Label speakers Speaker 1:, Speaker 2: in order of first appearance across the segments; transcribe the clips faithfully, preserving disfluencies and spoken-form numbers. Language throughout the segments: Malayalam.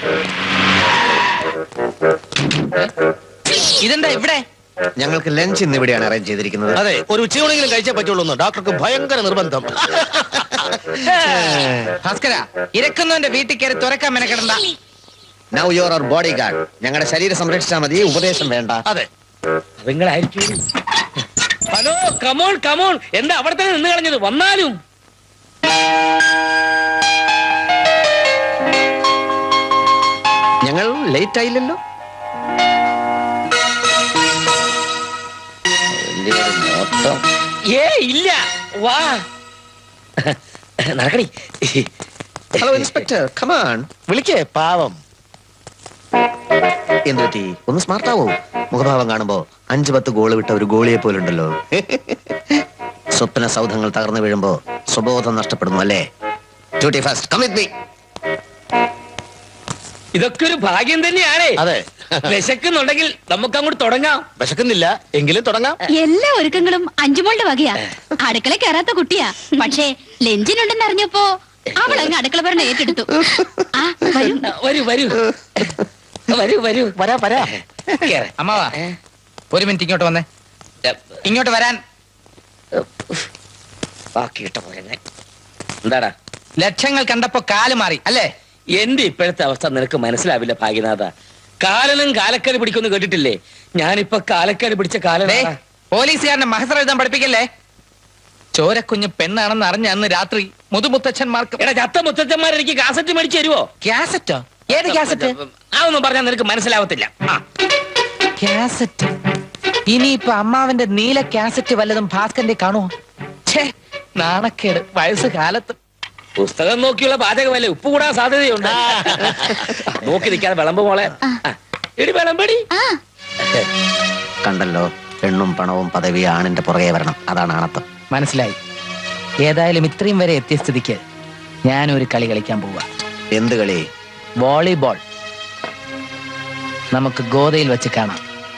Speaker 1: ഇതെന്താ ഇവിടെ?
Speaker 2: ഞങ്ങൾക്ക് ലഞ്ച് ഇന്ന് ഇവിടെയാണ് അറേഞ്ച് ചെയ്തിരിക്കുന്നത്.
Speaker 3: അതെ, ഒരു ഉച്ചയൂണെങ്കിലും കഴിച്ചേ പറ്റുള്ളൂ. ഡോക്ടർക്ക് ഭയങ്കര നിർബന്ധം.
Speaker 1: ഭാസ്കര, ഇരക്കുന്നവന്റെ വീട്ടിൽ കയറി തുറക്കാൻ മെനക്കെടണ്ട.
Speaker 2: Now you are our bodyguard. ഞങ്ങളുടെ ശരീരം സംരക്ഷിച്ചാൽ മതി, ഉപദേശം വേണ്ട.
Speaker 3: അതെ,
Speaker 4: നിങ്ങളായിരിക്കും. Hello, come on come on. എന്താ അവിടെ തന്നെ നിന്ന് കളഞ്ഞത്? വന്നാലും
Speaker 2: ഞങ്ങൾ ലേറ്റ് ആയില്ലല്ലോ.
Speaker 4: ഏ ഇല്ല, വാ നടക്കണി.
Speaker 2: Hello inspector, come on.
Speaker 3: വിളിക്കേ പാവം.
Speaker 2: എന്തുപറ്റി? ഒന്ന് സ്മാർട്ട് ആവോ? മുഖഭാവം കാണുമ്പോ അഞ്ചു പത്ത് ഗോള് വിട്ട ഒരു ഗോളിയെ പോലുണ്ടല്ലോ. സ്വപ്ന സൗധങ്ങൾ തകർന്നു വീഴുമ്പോ സ്വബോധം നഷ്ടപ്പെടുന്നു അല്ലേ? Duty first, come with me.
Speaker 4: ഇതൊക്കെ ഒരു ഭാഗ്യം തന്നെയാണേ.
Speaker 3: അതെ,
Speaker 4: വിശക്കുന്നുണ്ടെങ്കിൽ നമുക്ക് അങ്ങോട്ട് തുടങ്ങാം.
Speaker 3: വിശക്കുന്നില്ല എങ്കിലും തുടങ്ങാം.
Speaker 5: എല്ലാ ഒരുക്കങ്ങളും അഞ്ചുമോളുടെ വകയാ. അടുക്കള കയറാത്ത കുട്ടിയാ, പക്ഷേ ലഞ്ചിനുണ്ടെന്ന് അറിഞ്ഞപ്പോ അവൾ അങ്ങ് അടുക്കള പറഞ്ഞ ഏറ്റെടുത്തു. ആ വരൂ
Speaker 4: വരൂ വരൂ വരൂ വരൂ
Speaker 3: വരാ വരാ.
Speaker 1: അമ്മാവാ, ഒരു മിനിറ്റ് ഇങ്ങോട്ട് വന്നേ. ഇങ്ങോട്ട് വരാൻ.
Speaker 4: ബാക്കിയിട്ട പോലെ എന്താടാ?
Speaker 1: ലക്ഷങ്ങൾ കണ്ടപ്പോ കാല് മാറി അല്ലേ?
Speaker 4: എന്റെ ഇപ്പോഴത്തെ അവസ്ഥ നിനക്ക് മനസ്സിലാവില്ല ഭാഗ്യനാഥ. കാലനും കാലക്കേട് പിടിക്കൊന്നും കേട്ടിട്ടില്ലേ? ഞാനിപ്പൊ കാലക്കേട് പിടിച്ച കാലം.
Speaker 1: പോലീസുകാരനെ മഹസർ എഴുതാൻ പഠിപ്പിക്കല്ലേ? ചോരക്കുഞ്ഞ് പെണ്ണാണെന്ന് അറിഞ്ഞ അന്ന് രാത്രി മുതുമുത്തച്ഛന്മാർക്ക്.
Speaker 4: എടാ, ചത്ത മുത്തച്ഛന്മാർ എനിക്ക് കാസറ്റ് മേടിച്ചു തരുവോ?
Speaker 1: കാസറ്റോ? ഏത് കാസറ്റ്?
Speaker 4: അതൊന്നും പറഞ്ഞാൽ നിനക്ക് മനസ്സിലാവത്തില്ല.
Speaker 1: കാസറ്റ്? ഇനിയിപ്പൊ അമ്മാവന്റെ നീല കാസറ്റ് വല്ലതും ഭാസ്കറിന്റെ കാണുമോ? ഛേ, നാണക്കേട്. വയസ്സ് കാലത്ത്
Speaker 4: പുസ്തകം നോക്കിയുള്ള പാചകമല്ലേ, ഉപ്പ് കൂടാൻ സാധ്യതയുണ്ട്. നോക്കി നിൽക്കാതെ വിളമ്പ് മോളെ. എടി വിളമ്പടി.
Speaker 2: കണ്ടല്ലോ, പെണ്ണും പണവും പദവി ആണിന്റെ പുറകെ വരണം. അതാണ് ആണത്വം.
Speaker 1: മനസ്സിലായി. ഏതായാലും ഇത്രയും വരെ എത്തിയ സ്ഥിതിക്ക് ഞാനൊരു കളി കളിക്കാൻ പോവാ.
Speaker 2: എന്ത് കളി?
Speaker 1: വോളിബോൾ. നമുക്ക് ഗോതയിൽ വെച്ച് കാണാം.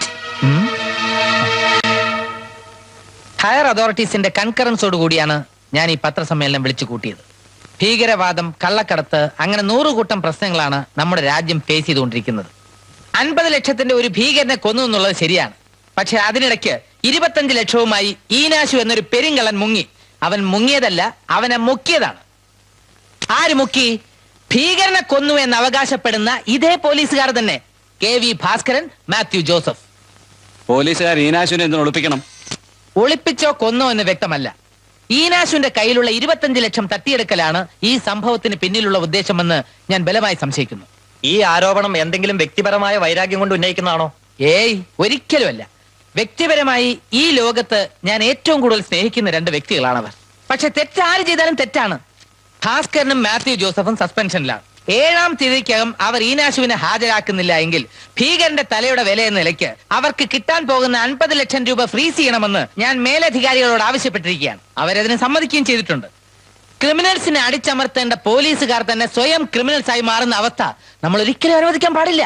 Speaker 1: ഹയർ അതോറിറ്റീസിന്റെ കൺകറൻസോട് കൂടിയാണ് ഞാൻ ഈ പത്രസമ്മേളനം വിളിച്ചു കൂട്ടിയത്. ഭീകരവാദം, കള്ളക്കടത്ത്, അങ്ങനെ നൂറുകൂട്ടം പ്രശ്നങ്ങളാണ് നമ്മുടെ രാജ്യം ഫേസ് ചെയ്തുകൊണ്ടിരിക്കുന്നത്. അൻപത് ലക്ഷത്തിന്റെ ഒരു ഭീകരനെ കൊന്നു എന്നുള്ളത് ശരിയാണ്. പക്ഷെ അതിനിടയ്ക്ക് ഇരുപത്തഞ്ച് ലക്ഷവുമായി ഈനാശു എന്നൊരു പെരിങ്കള്ളൻ മുങ്ങി. അവൻ മുങ്ങിയതല്ല, അവനെ മുക്കിയതാണ്. ആര് മുക്കി? ഭീകരനെ കൊന്നു എന്ന് അവകാശപ്പെടുന്ന ഇതേ പോലീസുകാർ തന്നെ. K V Bhaskaran, Mathew Joseph.
Speaker 6: പോലീസുകാർ ഈനാശുവിനെ എന്തിനു ഒളിപ്പിക്കണം?
Speaker 1: ഒളിപ്പിച്ചോ കൊന്നോ എന്ന് വ്യക്തമല്ല. ഈനാശുവിന്റെ കയ്യിലുള്ള ഇരുപത്തഞ്ച് ലക്ഷം തട്ടിയെടുക്കലാണ് ഈ സംഭവത്തിന് പിന്നിലുള്ള ഉദ്ദേശമെന്ന് ഞാൻ ബലമായി സംശയിക്കുന്നു.
Speaker 7: ഈ ആരോപണം എന്തെങ്കിലും വ്യക്തിപരമായ വൈരാഗ്യം കൊണ്ട് ഉന്നയിക്കുന്നതാണോ?
Speaker 1: ഏയ്, ഒരിക്കലുമല്ല. വ്യക്തിപരമായി ഈ ലോകത്ത് ഞാൻ ഏറ്റവും കൂടുതൽ സ്നേഹിക്കുന്ന രണ്ട് വ്യക്തികളാണവർ. പക്ഷെ തെറ്റാര് ചെയ്താലും തെറ്റാണ്. ഭാസ്കരനും മാത്യു ജോസഫും സസ്പെൻഷനിലാണ്. ഏഴാം തീയതിക്കകം അവർ ഈനാശുവിനെ ഹാജരാക്കുന്നില്ല എങ്കിൽ ഭീകരന്റെ തലയുടെ വില എന്ന നിലയ്ക്ക് അവർക്ക് കിട്ടാൻ പോകുന്ന അൻപത് ലക്ഷം രൂപ ഫ്രീസ് ചെയ്യണമെന്ന് ഞാൻ മേലധികാരികളോട് ആവശ്യപ്പെട്ടിരിക്കുകയാണ്. അവരതിന് സമ്മതിക്കുകയും ചെയ്തിട്ടുണ്ട്. ക്രിമിനൽസിനെ അടിച്ചമർത്തേണ്ട പോലീസുകാർ തന്നെ സ്വയം ക്രിമിനൽസ് ആയി മാറുന്ന അവസ്ഥ നമ്മൾ ഒരിക്കലും അനുവദിക്കാൻ പാടില്ല.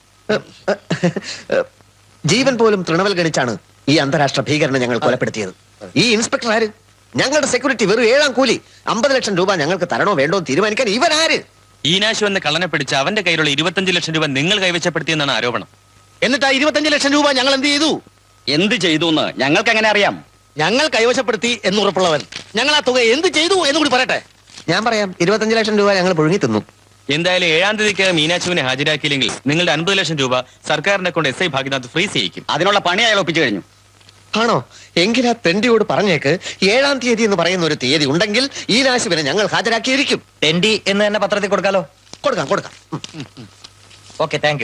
Speaker 2: ജീവൻ പോലും തൃണവൽ ഗണിച്ചാണ് ഈ അന്താരാഷ്ട്ര ഭീകരനെ ഞങ്ങൾ കൊലപ്പെടുത്തിയത്. ഈ ഇൻസ്പെക്ടർ ആര്? ഞങ്ങളുടെ സെക്യൂരിറ്റി വെറും ഏഴാം കൂലി. അമ്പത് ലക്ഷം രൂപ ഞങ്ങൾക്ക് തരണോ വേണ്ടോ തീരുമാനിക്കാൻ ഇവരാര്?
Speaker 6: ഈനാശു എന്ന കള്ളനെ പിടിച്ച് അവന്റെ കയ്യിലുള്ള ഇരുപത്തഞ്ച് ലക്ഷം രൂപ നിങ്ങൾ കൈവശപ്പെടുത്തിയെന്നാണ് ആരോപണം.
Speaker 3: എന്നിട്ട് ആ ഇരുപത്തഞ്ച് ലക്ഷം രൂപ ഞങ്ങൾ എന്ത് ചെയ്തു?
Speaker 6: എന്ത് ചെയ്തു എന്ന് ഞങ്ങൾക്ക് എങ്ങനെ അറിയാം?
Speaker 3: ഞങ്ങൾ കൈവശപ്പെടുത്തി എന്നുറപ്പുള്ളവൻ ഞങ്ങൾ ആ തുക എന്ത് ചെയ്തു എന്ന് കൂടി പറയട്ടെ.
Speaker 2: ഞാൻ പറയാം. ഇരുപത്തഞ്ച് ലക്ഷം രൂപ ഞങ്ങൾ പുഴുങ്ങി തിന്നു.
Speaker 6: എന്തായാലും ഏഴാം തീയതിക്ക് മീനാശുവിനെ ഹാജരാക്കിയില്ലെങ്കിൽ നിങ്ങളുടെ അൻപത് ലക്ഷം രൂപ സർക്കാരിനെ കൊണ്ട് എസ് ഐ ഭാഗ്യനാഥ് ഫ്രീസ് ചെയ്യിക്കും.
Speaker 7: അതിനുള്ള പണി അയാൾ ഒപ്പിച്ചു കഴിഞ്ഞു.
Speaker 2: ആണോ? എങ്കിൽ ആ തെണ്ടിയോട് പറഞ്ഞേക്ക് ഏഴാം തീയതി എന്ന് പറയുന്ന ഒരു തീയതി ഉണ്ടെങ്കിൽ ഈനാശുവിനെ ഞങ്ങൾ ഹാജരാക്കിയിരിക്കും.
Speaker 7: തെണ്ടി എന്ന് തന്നെ പത്രത്തിൽ കൊടുക്കാലോ?
Speaker 2: കൊടുക്കാം കൊടുക്കാം.
Speaker 7: Okay, thank you.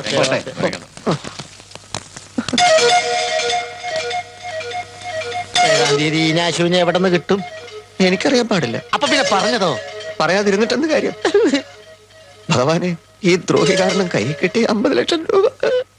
Speaker 3: ഏഴാം തീയതി ഈനാശുവിനെ എവിടെ നിന്ന് കിട്ടും?
Speaker 2: എനിക്കറിയാൻ പാടില്ല.
Speaker 3: അപ്പൊ പിന്നെ പറഞ്ഞതോ?
Speaker 2: പറയാതിരുന്നിട്ടെന്ത് കാര്യം? ഭഗവാനെ, ഈ ദ്രോഹി കാരണം കൈ കിട്ടി അമ്പത് ലക്ഷം രൂപ.